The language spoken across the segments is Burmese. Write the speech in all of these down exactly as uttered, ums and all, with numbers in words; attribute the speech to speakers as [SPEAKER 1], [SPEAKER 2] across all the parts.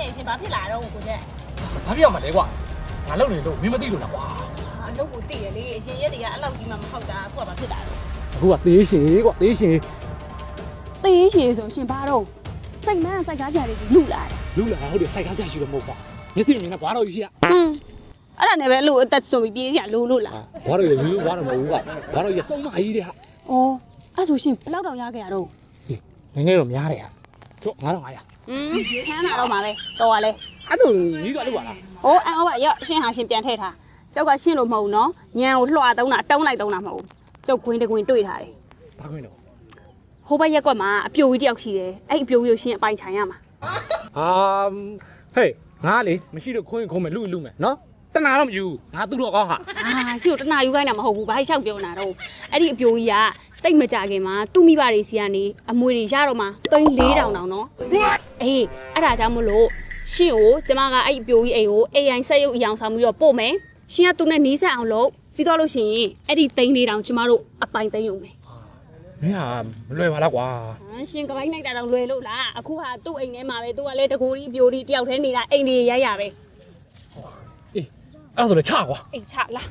[SPEAKER 1] နေရှင်ဘာဖြစ်လာတော့ကိုကျက်
[SPEAKER 2] ဘာဖြစ်ရမှာလဲကွာငါလုပ်နေလို့မင်းမသိလို့လားကွာ
[SPEAKER 1] အလုပ်ကိုသိရလေအရှင်ရက်တွေကအဲ့လောက်ကြီးမှမဟုတ်တာအခုကဘာဖြစ်တာလဲ
[SPEAKER 2] အခုကသေးရှင်ကွာသေးရှင်
[SPEAKER 1] သေးရှင်ဆိုရှင်ဘာတော့စိတ်မန်းစိုက်ကားကြရလေးကြီးလူလာတယ်
[SPEAKER 2] လူလာဟုတ်တယ်စိုက်ကားကြရှိတော့မဟုတ်ပါမျက်စိမြင်နဲ့ဘွားတော်ကြီးရှိရ
[SPEAKER 1] ဟမ်အဲ့ဒါနဲ့ပဲလို့အသက်ဆုံးပြီးပြေးရလို့လို့လား
[SPEAKER 2] ဘွားတော်ကြီးလူဘွားတော်မဟုတ်ဘူးကွာဘွားတော်ကြီးစုံမကြီးတဲ့ဟာ
[SPEAKER 1] ဩအဲ့ဆိုရှင်ဘယ်လောက်တောင်ရခဲ့ရတော့
[SPEAKER 2] ငငယ်တော့များတယ်ဟာတော့ငါတော့ငါရ
[SPEAKER 1] อืมခန်းလာတော့မှာပဲတော်ပါလေ
[SPEAKER 2] အဲ့ဒါကြီးကလို့ပါလား
[SPEAKER 1] ဟိုအော်ပါရော့ရှင်ဟာရှင်ပြန်ထည့်ထားကျောက်ကရှင်းလို့မဟုတ်နော်ညံကိုလွှာသုံးတာတုံးလိုက်သုံးတာမဟုတ်ကျောက်ခွင်းတခွင်းတွေ့ထားတယ်
[SPEAKER 2] ဘာခွင်းတော့
[SPEAKER 1] ဟိုဘက်ရက်ကွက်မှာအပြိုကြီးတယောက်ရှိတယ်အဲ့အပြိုကြီးကိုရှင်အပိုင်ထိုင်ရမှာ
[SPEAKER 2] ဟာဟေးငါလေမရှိတော့ခွင်းခုံးမယ်လူလူမယ်နော်တနာတော့မယူငါသူ့တော့ကောင်းဟာ
[SPEAKER 1] အာရှိတော့တနာယူခိုင်းတာမဟုတ်ဘူးဘာလျှောက်ပြောနေတာတော့အဲ့ဒီအပြိုကြီးကတိတ်မကြခင်မှာသူ့မိဘတွေစီကနေအမွေတွေရတော့မှသိန်းလေးတောင်တောင်နော်အေးအဲ့ဒါကြောင့်မလို့ရှင်ကိုကျမကအဲ့အပြိုကြီးအိမ်ကို အေ အိုင် ဆက်ရုပ်အယောင်ဆောင်ပြီးတော့ပို့မယ်ရှင်ကသူနဲ့နီးစပ်အောင်လုပ်ပြီးတော့လို့ရှိရင်အဲ့ဒီသိန်းလေးတောင်ကျမတို့အပိုင်သိမ်းရုံပဲ
[SPEAKER 2] မင်းဟာမလွယ်ပါလားကွာ
[SPEAKER 1] ဟမ်ရှင်ကပိုင်းလိုက်တာတော့လွယ်လို့လားအခုဟာသူ့အိမ်ထဲမှာပဲသူကလည်းတကူကြီးပြိုကြီးတယောက်တည်းနေတာအိမ်ကြီးရိုက်ရပဲ
[SPEAKER 2] အေးအဲ့ဒါဆိုလည်းချကွာ
[SPEAKER 1] အိမ်ချလား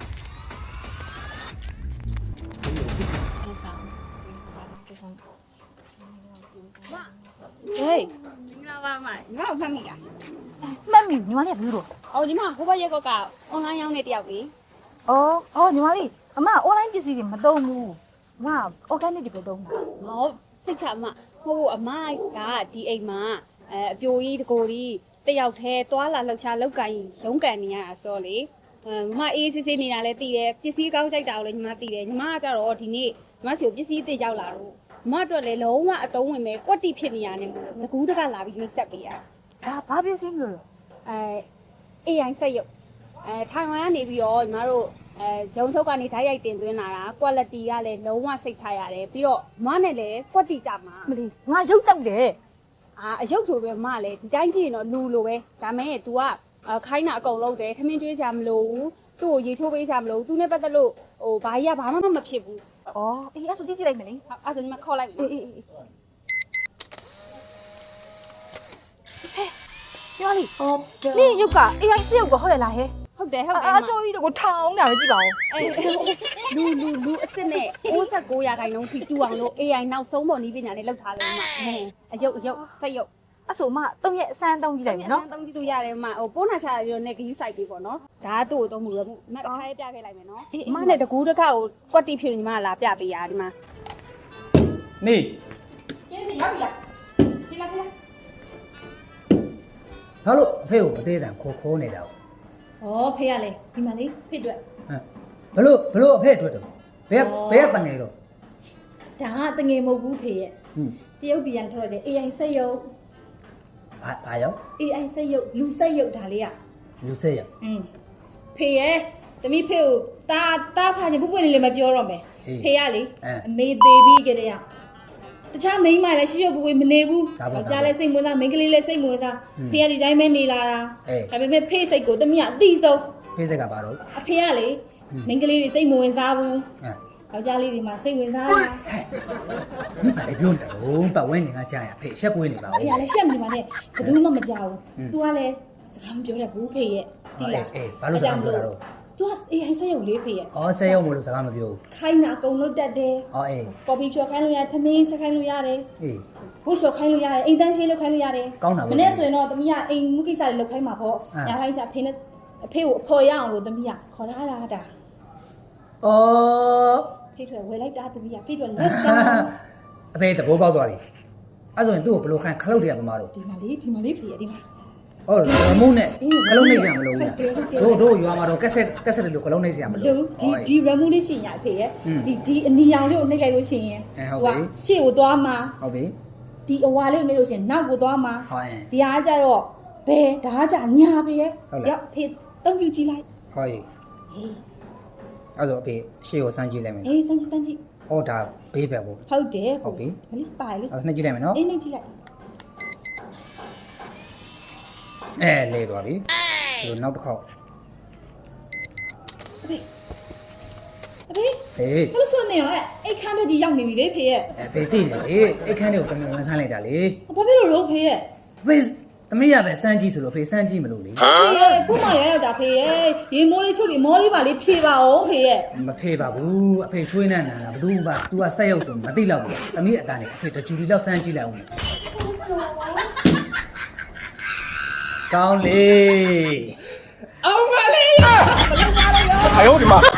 [SPEAKER 1] ဟေးမင်္ဂလာပါမညီမဖတ်မိလား
[SPEAKER 3] မှတ်မိညီမလေးကဘူးတော့
[SPEAKER 1] အော်ညီမဟိုဘက်ရက်ကွက်ကအွန်လိုင်းရောင်းနေတယောက်ပြီ
[SPEAKER 3] အော်အော်ညီမလေးအမအွန်လိုင်းပစ္စည်းတွေမသုံးဘူးငါအော်ဂန်နစ်တွေပဲသုံးတာ
[SPEAKER 1] ဟောစိတ်ချအမဟိုအမကဒီအိမ်မှာအဲအပြိုကြီးတကိုကြီးတယောက်တည်းတွာလာလှောက်ချလောက်ကင်ရုံးကန်နေရတာဆိုလေအဲမမအေးစစ်စစ်နေတာလည်းသိတယ်ပစ္စည်းကောင်းကြိုက်တာကိုလည်းညီမသိတယ်ညီမကကြတော့ဒီနေ့ညီမစီကိုပစ္စည်းသိရောက်လာတော့မအတွက်လည်းလုံးဝအတုံးဝင်ပဲကွက်တိဖြစ်နေရတယ်မို့ငကူးတကလာပြီးမိတ်ဆက်ပေးရ
[SPEAKER 3] ဒါဘာပစ္စည်းမျိုးလဲ
[SPEAKER 1] အဲ အေ အိုင် ဆက်ရုပ်အဲထိုင်ဝမ်ကနေပြီးတော့ညီမတို့အဲရုံချုပ်ကနေဓာတ်ရိုက်တင်သွင်းလာတာ quality ကလည်းလုံးဝစိတ်ချရတယ်ပြီးတော့မနဲ့လည်းကွက်တိကြမှာ
[SPEAKER 3] မလီငါရုပ်ကြောက်တယ်
[SPEAKER 1] အာအရုပ်ဆိုပဲမလည်းဒီတိုင်းကြည့်ရင်တော့လူလိုပဲဒါမဲ့ तू ကခိုင်းတာအကုန်လုံးတယ်ခမင်းကျွေးစရာမလိုဘူးသူ့ကိုရေချိုးပေးစရာမလိုဘူး तू နဲ့ပတ်သက်လို့ဟိုဘာကြီးကဘာမှမဖြစ်ဘူး
[SPEAKER 3] အော်အေးအဲ့ဆိုကြည့်ကြည့်လိုက်မယ်လေ
[SPEAKER 1] အဲ့ဆိုညီမခေါ်လိုက်မယ်
[SPEAKER 3] အေးအေးအေးဟဲ့ညီမလေးဟုတ်တယ်နေရုပ်က အေ အိုင် စရုပ်ကဟုတ်ရလားဟဲ့
[SPEAKER 1] ဟုတ်တယ်ဟုတ်တယ်
[SPEAKER 3] အကျိုးကြီးတော့ထောင်းတာပဲကြည့်ပါဦး
[SPEAKER 1] အေးလူလူလူအစ်စ်နဲ့၉၉ရာခိုင်နှုန်းထိတူအောင်လို့ အေ အိုင် နောက်ဆုံးပေါ်နည်းပညာနဲ့လောက်ထားလို့မှအယုတ်အယုတ်ဆက်ယုတ်
[SPEAKER 3] အဲ့ဆိုမှသုံးရက်အစမ်းသုံးကြည့်လိုက်မယ်နော်
[SPEAKER 1] သုံးကြည့်လို့ရတယ်မှဟိုပိုးနာချရနဲ့ဂယူးဆိုင်ပြီးပေါ့နော်ဒါကသူ့ကိုသုံးမှုရမှုမတစ်ခါလေးပြခဲ့လိုက်မယ်နော်အမနဲ့တကူးတစ်ခါကိုကွက်တိဖြစ်နေညီမလာပြပေးရဒီမှာ
[SPEAKER 2] နေ
[SPEAKER 1] ရှင်းပြီရောက်ပြီလားဒီလားဒီလား
[SPEAKER 4] ဟာလို့အဖေကိုအသေးအံခိုးခိုးနေတာ
[SPEAKER 1] ဩဖေးရလေဒီမှာလေဖေးအတွက်
[SPEAKER 4] ဟမ်ဘလို့ဘလို့အဖေအတွက်တော့ဘယ်ဘယ်ကတငယ်တော့
[SPEAKER 1] ဒါကတငယ်မဟုတ်ဘူးဖေးရဲ့ဟွန်းတရုတ်ပြည်န်ထွက်တယ် အေ အိုင် ဆက်ရုပ်
[SPEAKER 4] ဘာဘာရော
[SPEAKER 1] အေ အိုင် ဆက်ရုပ်လူဆက်ရုပ်ဒါလေးอ่ะ
[SPEAKER 4] လူဆက်ရုပ်
[SPEAKER 1] อืมဖေးရဲ့တမိဖေးကိုတာတာဖာချင်ပုပွင့်လေးလည်းမပြောတော့မယ်ဖေးရလေအမေသေးပြီးကြတဲ့ရတခြားမိန်းမလည်းရှိရှိပွပွမနေဘူးကြားလဲစိတ်မဝင်သားမိန်းကလေးလည်းစိတ်မဝင်သားဖေးရဒီတိုင်းပဲနေလာတာဒါပေမဲ့ဖေးစိတ်ကိုတမိကအတိဆုံး
[SPEAKER 4] ဖေးစိတ်ကဘာတော့
[SPEAKER 1] အဖေကလေမိန်းကလေးတွေစိတ်မဝင်စားဘူးယောက်ျားလေးတွေမှာစိတ်ဝင်စားတာ
[SPEAKER 4] ဒီပါလေပြောနေတာလို့ပတ်ဝန်းကျင်ကကြားရဖေးရှက်ကွေးနေပါဦး
[SPEAKER 1] ဖေးကလည်းရှက်မနေပါနဲ့ဘယ်သူမှမကြောက်ဘူး तू ကလည်းစကားမပြောတတ်ဘူးဖေးရဲ့
[SPEAKER 4] ဒီလားအေးဘာလို့စကားမပြောတာတော့
[SPEAKER 1] तू ကအေးဟိုင်းဆက်ရုပ်လေးဖေးရဲ့
[SPEAKER 4] ဩဆက်ရုပ်မလို့စကားမပြောဘူး
[SPEAKER 1] ခိုင်းတာအကုန်လုံးတက်တယ်
[SPEAKER 4] ဩအေး
[SPEAKER 1] ကော်ဖီဖြော်ခိုင်းလို့ရတယ်ထမင်းချက်ခိုင်းလို့ရတယ်
[SPEAKER 4] အေး
[SPEAKER 1] ဝှက်လျှော်ခိုင်းလို့ရတယ်အိမ်တန်းရှင်းလုပ်ခိုင်းလို့ရတယ်
[SPEAKER 4] ကောင်းတာပဲ
[SPEAKER 1] မနေ့ဆိုရင်တော့သမီးကအိမ်မှုကိစ္စတွေလုပ်ခိုင်းမှာပေါ့ညာခိုင်းချဖေးနဲ့အဖေကိုအဖော်ရအောင်လို့သမီးကခေါ်ထားတာတာ
[SPEAKER 4] ဩ
[SPEAKER 1] ဖေးထွယ်ဝယ်လိုက်တာသမီးကဖေးထွယ်လက်စမ်း
[SPEAKER 4] အဖေသဘောပေါက်သွားပြီအဲ့ဆိုရင်သူ့ကိုဘယ်လိုခိုင်းခလုတ်တွေကပမာတော့
[SPEAKER 1] ဒီမှာလေးဒီမှာလေးဖေးရဒီမှာ
[SPEAKER 4] ဟုတ်တယ်မုန်းနဲ့ခလုံးနေစရာမလိုဘူးလားတို့တို့ရွာမှာတော့ကက်ဆက်ကက်ဆက်လို့ခလုံးနေစရာမလို
[SPEAKER 1] ဘူးဒီဒီရမူလေးရှင်ရဖေးရဲ့ဒီဒီအနီရောင်လေးကိုနှိပ်လိုက်လို့ရှိရင်
[SPEAKER 4] ဟိုက
[SPEAKER 1] ရှေ့ကိုသွားမှာ
[SPEAKER 4] ဟုတ်ပြီ
[SPEAKER 1] ဒီအဝါလေးကိုနှိပ်လို့ရှိရင်နောက်ကိုသွားမှာဒီအားကြတော့ဘယ်ဒါကကြညာဖေးရဲ့ရောက်ဖေးတုံးပြကြည့်လိုက်
[SPEAKER 4] ဟုတ်ပြီအဲ့တော့အဖေရှေ့ကိုစမ်းကြည့်လိုက်မယ်
[SPEAKER 1] အေးစမ်းကြည့်စမ်းကြည့်
[SPEAKER 4] အော်ဒါဘေးပဲပေါ့
[SPEAKER 1] ဟုတ်တယ်
[SPEAKER 4] ဟုတ်ပြီ
[SPEAKER 1] မလေးပါလေ
[SPEAKER 4] အဲ့ဒါနှိပ်ကြည့်လိုက်မယ်နော်
[SPEAKER 1] အေးနှိပ်ကြည့်လိုက်
[SPEAKER 4] အဲလဲသွားပြီဒီလိုနောက်တစ်ခေါက်
[SPEAKER 1] အဖေအဖေ
[SPEAKER 4] ဟေး
[SPEAKER 1] ဘလို့ဆိုနေရောအိတ်ခမ်းပဲကြီးရောက်နေပြီလေဖေရဲ့
[SPEAKER 4] အဲဖေသိတယ်လေအိတ်ခမ်းတွေကိုတမင်ဝင်ခမ်းလိုက်တာလေ
[SPEAKER 1] ဘာဖြစ်လို့လို့ဖေရဲ့
[SPEAKER 4] ဖေတသမီးရပဲစမ်းကြည့်ဆိုလို့ဖေစမ်းကြည့်မလို့လေ
[SPEAKER 5] ဖေရဲ့ခုမှရရောက်တာဖေရဲ့ရေမိုးလေးချုပ်ပြီးမောလေးပါလေးဖြေပါအောင်ဖေရဲ့
[SPEAKER 4] မဖေးပါဘူးအဖေချွေးနေနာတာဘသူမှ तू ကဆက်ရုပ်ဆိုမသိတော့ဘူးသမီးအတန်းနဲ့အဖေတကြူတီလောက်စမ်းကြည့်လိုက်အောင်ကောင်းလေ
[SPEAKER 2] 哎呦我的妈！